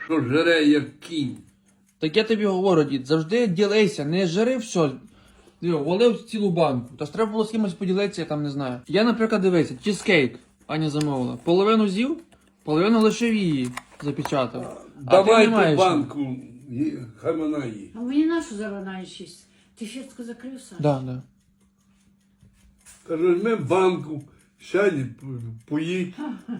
що жере як кінь. Так я тобі говорю, дід, завжди ділися, не жири все. Валив цілу банку. Тож треба було з кимось поділитися, я там не знаю. Я, наприклад, дивися, чизкейк Аня замовила. Половину з'їв, половину лишив її, запечатав. Давай ти не маєш. ту банку, хай вона їсть. А мені нашу завинаєш їсть? Ти фіртку закрив, Саш? Да. Кажу, візьми банку, сядь, поїдь.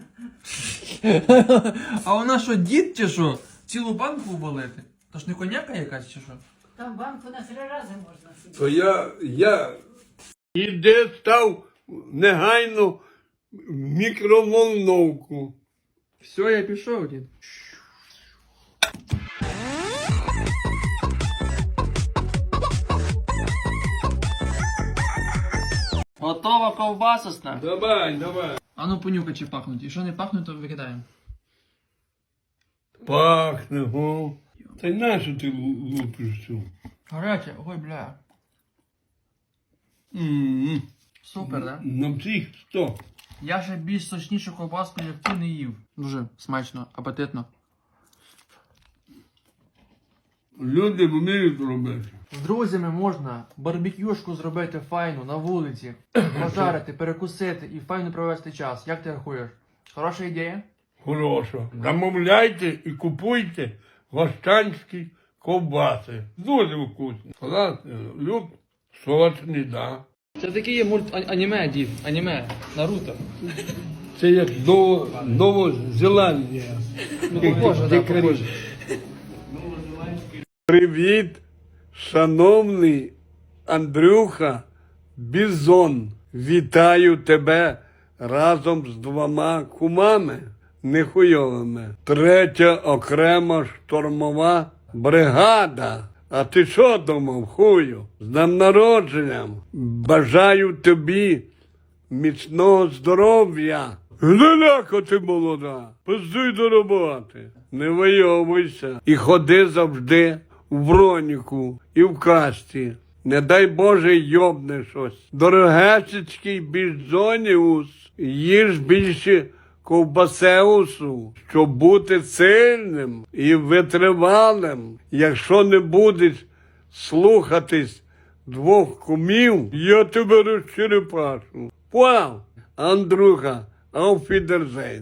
А вона що, дід чи що? Цілу банку ввалити? То ж не коняка якась чи що? Там банку на 3 рази можна собі. То я іде став негайно в мікроволновку. Все, я пішов, дід. Готова ковбасосна. Давай. А ну понюхай, чи пахнуть. І що не пахнуть, то викидаємо. Пахне, го. Та й нащо ти лупиш цю? Гаряче, ой, бля. Супер, да? На всіх 100. Я ще більш сочнішу ковбаску, як ти, не їв. Дуже смачно, апетитно. Люди вміють робити. З друзями можна барбекюшку зробити файну на вулиці, пожарити, перекусити і файно провести час. Як ти рахуєш? Хороша ідея? Хорошо. Замовляйте і купуйте гощанські ковбаси. Дуже вкусні. Класні. Люб, сочні, да. Це такий є аніме, дід. Аніме. Наруто. Це як Новозеландія. Похоже. Привіт, шановний Андрюха Бізон. Вітаю тебе разом з 2 кумами нехуйовими. 3-я окрема штурмова бригада. А ти що думав, хую? З днем народженням. Бажаю тобі міцного здоров'я. Гляляко ти молода, пиздуй до роботи. Не вийовуйся. І ходи завжди в броніку і в касті. Не дай Боже йобне щось. Дорогесечкий бізоніус, їж більше ковбасеусу, щоб бути сильним і витривалим. Якщо не будеш слухатись 2 кумів, я тебе розчерепашу. Вау, Андрюха, auf Wiedersehen.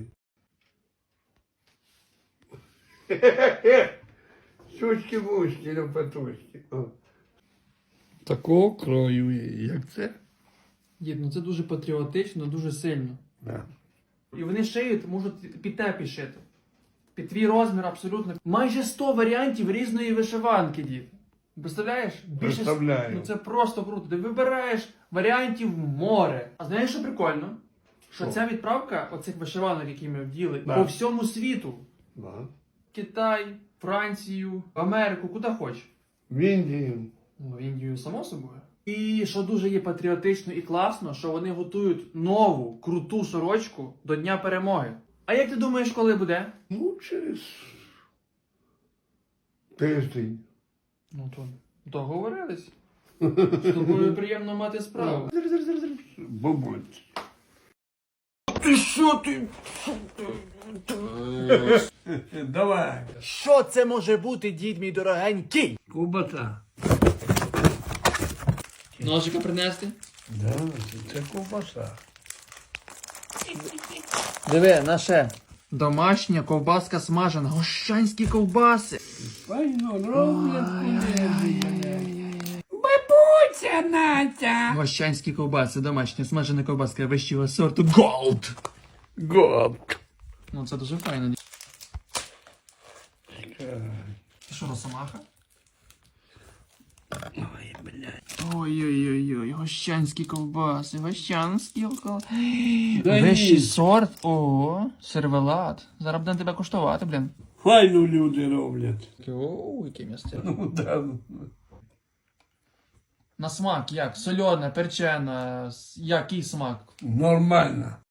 Сучки-вучки, лопатушки. Такого крою, як це? Дід, ну це дуже патріотично, дуже сильно. Да. І вони шиють, можуть під те підшити. Під твій розмір абсолютно. Майже 100 варіантів різної вишиванки, дід. Представляєш? Представляю. Ну це просто круто. Ти вибираєш варіантів море. А знаєш, що прикольно? Що ця відправка оцих вишиванок, які ми вділи, по всьому світу. Да. Китай, Францію, Америку, куди хочеш. В Індію. Ну, в Індію, само собою. І що дуже є патріотично і класно, що вони готують нову, круту сорочку до Дня Перемоги. А як ти думаєш, коли буде? Ну, через тиждень. Ну, то договорились. З тобою приємно мати справу. Бабуть. Ти що ти? Давай. Що це може бути, дід мій дорогенький? Ковбаса. Ножика принести? Да, це ковбаса. Диви, наше. Домашня ковбаска смажена, гощанські ковбаси. Файно роблять кулебі. Бабуся Натя! Гощанські ковбаси, домашня смажена ковбаска вищого сорту Gold. Год. Ну це дуже файно. Ти що, росомаха? Ой, блядь. Ой-ой-ой, гощанські ковбаси, гощанські ковбаси. Да Вищий ні. сорт? Ого, сервелат. Зараз будемо тебе коштувати, блін. Файно люди роблять. О, яке місце. Ну, да. На смак як? Сольона, перчена, який смак? Нормально.